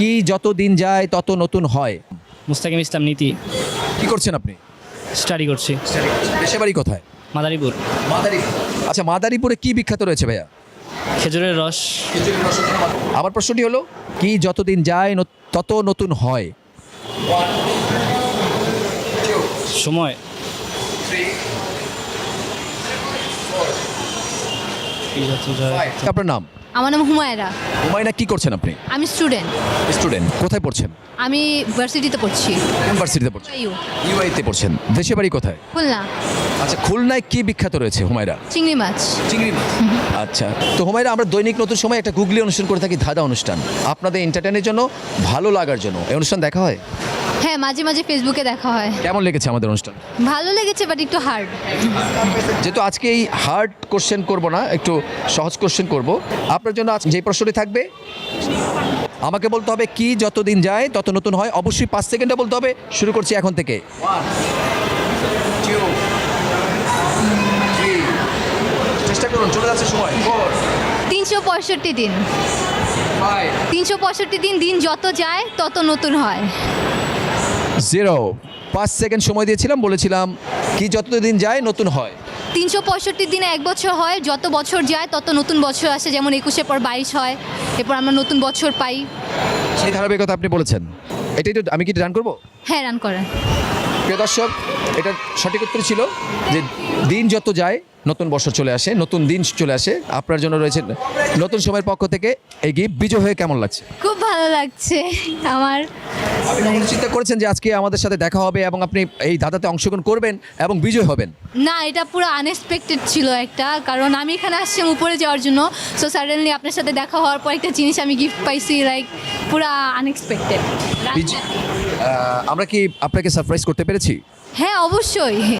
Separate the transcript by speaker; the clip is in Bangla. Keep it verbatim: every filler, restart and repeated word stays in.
Speaker 1: কি যত দিন যায় তত নতুন হয়।
Speaker 2: মুস্তাকিম ইসলাম নীতি।
Speaker 1: কি করছেন আপনি?
Speaker 2: স্টাডি করছি।
Speaker 1: দেশে বাড়ি কোথায়?
Speaker 2: মাদারীপুর।
Speaker 1: মাদারীপুর। আচ্ছা, মাদারীপুরে কি বিখ্যাত রয়েছে ভাইয়া?
Speaker 2: খেজুরের রস।
Speaker 1: আমার প্রশ্নটি হলো, কি যতদিন যায় ন- তত নতুন হয়।
Speaker 2: সময়।
Speaker 1: আপনার নাম?
Speaker 3: আমার নাম হুমায়রা।
Speaker 1: হুমায়না, কি করছেন আপনি?
Speaker 3: আমি স্টুডেন্ট।
Speaker 1: স্টুডেন্ট। কোথায় পড়ছেন?
Speaker 3: আমি ভার্সিটিতে পড়ছি।
Speaker 1: ইউনিভার্সিটিতে পড়ছেন?
Speaker 3: ইউ
Speaker 1: ইউআইতে পড়ছেন। দেশে বাড়ি কোথায়?
Speaker 3: খুলনা।
Speaker 1: আচ্ছা, খুলনায় কি বিখ্যাত রয়েছে হুমায়রা?
Speaker 3: চিংড়ি মাছ।
Speaker 1: চিংড়ি মাছ। আচ্ছা, তো হুমায়রা, আমরা দৈনিক নতুন সময় একটা গুগলি অনুষ্ঠান করে থাকি, ধাঁধা অনুষ্ঠান। আপনাদের এন্টারটেনের জন্য, ভালো লাগার জন্য এই অনুষ্ঠান দেখা হয়?
Speaker 3: হ্যাঁ, মাঝে মাঝে ফেসবুকে দেখা হয়।
Speaker 1: কেমন লেগেছে আমাদের অনুষ্ঠান?
Speaker 3: ভালো লেগেছে, বাট একটু হার্ড।
Speaker 1: যেহেতু আজকে এই হার্ড কোশ্চেন করব না, একটু সহজ কোশ্চেন করব আপনার জন্য। আজ যে প্রশ্নটি থাকবে, আমাকে বলতে হবে কি যতদিন যায় তত নতুন হয়। অবশ্যই পাঁচ সেকেন্ডে বলতে হবে। শুরু করছি এখন থেকে। চেষ্টা করুন, চলে যাচ্ছে সময়।
Speaker 3: তিনশো পঁয়ষট্টি দিন। তিনশো পঁয়ষট্টি দিন, দিন যত যায় তত নতুন হয়।
Speaker 1: জিরো। পাঁচ সেকেন্ড সময় দিয়েছিলাম, বলেছিলাম কি যতদিন যায় নতুন হয়।
Speaker 3: তিনশো পঁয়ষট্টি দিনে এক বছর হয়, যত বছর যায় তত নতুন বছর আসে। যেমন একুশের পর বাইশ হয়, এরপর আমরা নতুন বছর পাই।
Speaker 1: সেই ধারাবাহিকতা আপনি বলেছেন। এটাই তো, আমি কি রান করব?
Speaker 3: হ্যাঁ, রান করেন।
Speaker 1: প্রিয় দর্শক, এটা সঠিক উত্তর ছিল যে দিন যত যায় নতুন বছর চলে আসে, নতুন দিন চলে আসে। আপনার জন্য রয়েছে নতুন সময়ের পক্ষ থেকে এই গিফট। বিজয় হয়ে কেমন লাগছে?
Speaker 3: খুব ভালো লাগছে আমার।
Speaker 1: আপনি কখনো চিন্তা করেছেন যে আজকে আমাদের সাথে দেখা হবে এবং আপনি এই ধাঁধাতে অংশগ্রহণ করবেন এবং বিজয় হবেন?
Speaker 3: না, এটা পুরো আনএক্সপেক্টেড ছিল একটা, কারণ আমি এখানে আসছিলাম উপরে যাওয়ার জন্য। সো সাডেনলি আপনার সাথে দেখা হওয়ার পর একটা জিনিস আমি গিফট পাইছি, লাইক পুরো আনএক্সপেক্টেড।
Speaker 1: বিজয়, আহ, আমরা কি আপনাকে সারপ্রাইজ করতে পেরেছি?
Speaker 3: হ্যাঁ, অবশ্যই।